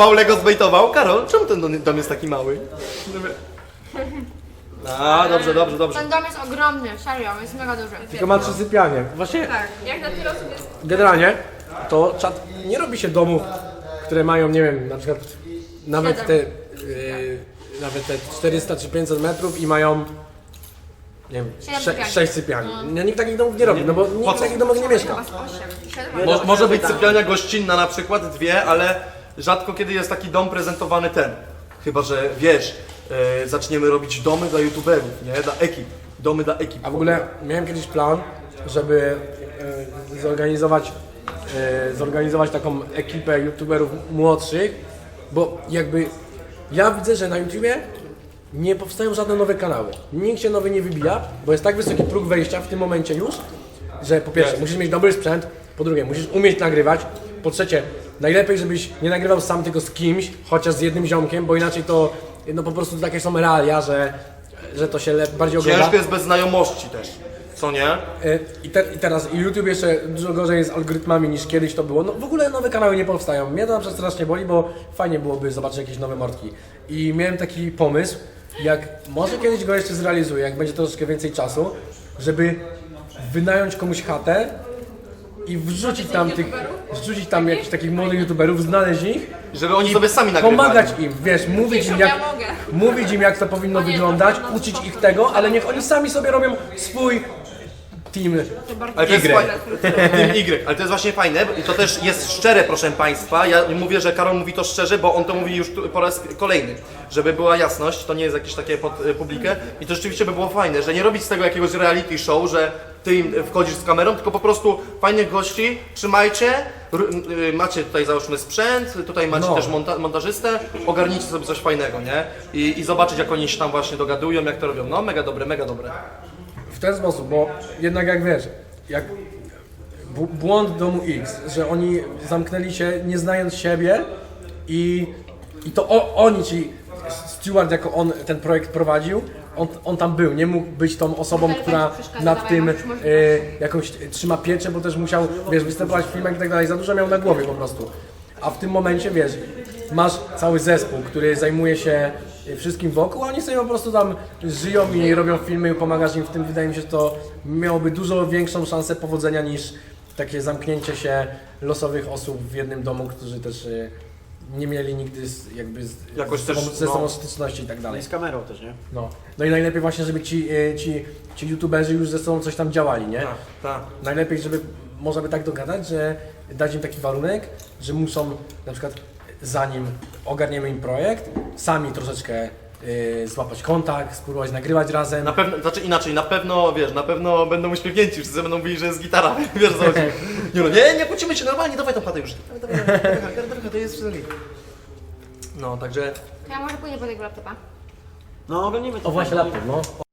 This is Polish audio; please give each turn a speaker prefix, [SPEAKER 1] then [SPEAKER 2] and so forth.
[SPEAKER 1] Lego zbejtował. Karol, czemu ten dom jest taki mały? A, dobrze.
[SPEAKER 2] Ten dom jest ogromny, serio, jest mega duży.
[SPEAKER 3] Tylko ma 3 sypialnie. Właśnie
[SPEAKER 4] Tak, jak na tyle osób jest...
[SPEAKER 3] generalnie to czat nie robi się domów, które mają, nie wiem, na przykład nawet te, nawet te 400 czy 500 metrów i mają, nie wiem, 6 sypialni. Nikt takich domów nie robi, no bo nikt w takich domach nie mieszka.
[SPEAKER 2] 8, 7,
[SPEAKER 1] Może być sypialnia gościnna na przykład, 2, ale rzadko kiedy jest taki dom prezentowany ten. Chyba że wiesz, zaczniemy robić domy dla youtuberów, nie? Dla ekip. Domy dla ekip.
[SPEAKER 3] A w ogóle miałem kiedyś plan, żeby zorganizować taką ekipę youtuberów młodszych, bo jakby ja widzę, że na YouTubie nie powstają żadne nowe kanały. Nikt się nowy nie wybija, bo jest tak wysoki próg wejścia w tym momencie już, że po pierwsze musisz mieć dobry sprzęt, po drugie musisz umieć nagrywać, po trzecie najlepiej żebyś nie nagrywał sam tylko z kimś, chociaż z jednym ziomkiem, bo inaczej to no po prostu takie są realia, że to się bardziej ogląda.
[SPEAKER 1] Ciężko jest bez znajomości też, co nie?
[SPEAKER 3] I teraz YouTube jeszcze dużo gorzej jest z algorytmami niż kiedyś to było. No w ogóle nowe kanały nie powstają. Mnie to na przykład strasznie boli, bo fajnie byłoby zobaczyć jakieś nowe mordki. I miałem taki pomysł, jak może kiedyś go jeszcze zrealizuję, jak będzie troszeczkę więcej czasu, żeby wynająć komuś chatę i wrzucić tam jakichś takich młodych youtuberów, znaleźć ich,
[SPEAKER 1] Żeby oni sobie sami nagrywali.
[SPEAKER 3] pomagać im, wiesz, mówić im jak to powinno wyglądać, uczyć ich tego, ale niech oni sami sobie robią swój team.
[SPEAKER 1] Ale to jest Team Y, ale to jest właśnie fajne i to też jest szczere, proszę Państwa. Ja mówię, że Karol mówi to szczerze, bo on to mówi już po raz kolejny. Żeby była jasność, to nie jest jakieś takie pod publikę i to rzeczywiście by było fajne, że nie robić z tego jakiegoś reality show, że Ty im wchodzisz z kamerą, tylko po prostu fajnych gości, trzymajcie, macie tutaj załóżmy sprzęt, tutaj macie też montażystę, ogarnijcie sobie coś fajnego, nie? I zobaczyć jak oni się tam właśnie dogadują, jak to robią. No mega dobre, mega dobre.
[SPEAKER 3] W ten sposób, bo jednak jak wiesz, jak błąd Domu X, że oni zamknęli się nie znając siebie i to oni, czyli Stewart jako on ten projekt prowadził, on tam był, nie mógł być tą osobą, która nad tym jakąś trzyma pieczę, bo też musiał, wiesz, występować w filmach i tak dalej, za dużo miał na głowie po prostu. A w tym momencie, wiesz, masz cały zespół, który zajmuje się wszystkim wokół, a oni sobie po prostu tam żyją i robią filmy, pomagasz im w tym. Wydaje mi się, że to miałoby dużo większą szansę powodzenia niż takie zamknięcie się losowych osób w jednym domu, którzy też nie mieli nigdy ze sobą styczności i tak dalej.
[SPEAKER 5] I z kamerą też, nie?
[SPEAKER 3] No i najlepiej właśnie, żeby ci youtuberzy już ze sobą coś tam działali, nie?
[SPEAKER 1] Tak.
[SPEAKER 3] Najlepiej, żeby można by tak dogadać, że dać im taki warunek, że muszą na przykład zanim ogarniemy im projekt, sami troszeczkę złapać kontakt, spróbować nagrywać razem.
[SPEAKER 1] Na pewno, znaczy inaczej, na pewno będą uśmiechnięci, wszyscy będą mówili, że jest gitara, wiesz co chodzi. Nie kłócimy się normalnie, dawaj tą chatę już. Dawaj, to jest wszystko. No, także...
[SPEAKER 2] Ja może pójdę po tego laptopa.
[SPEAKER 5] No, oglądnimy to.
[SPEAKER 3] O właśnie laptop, no.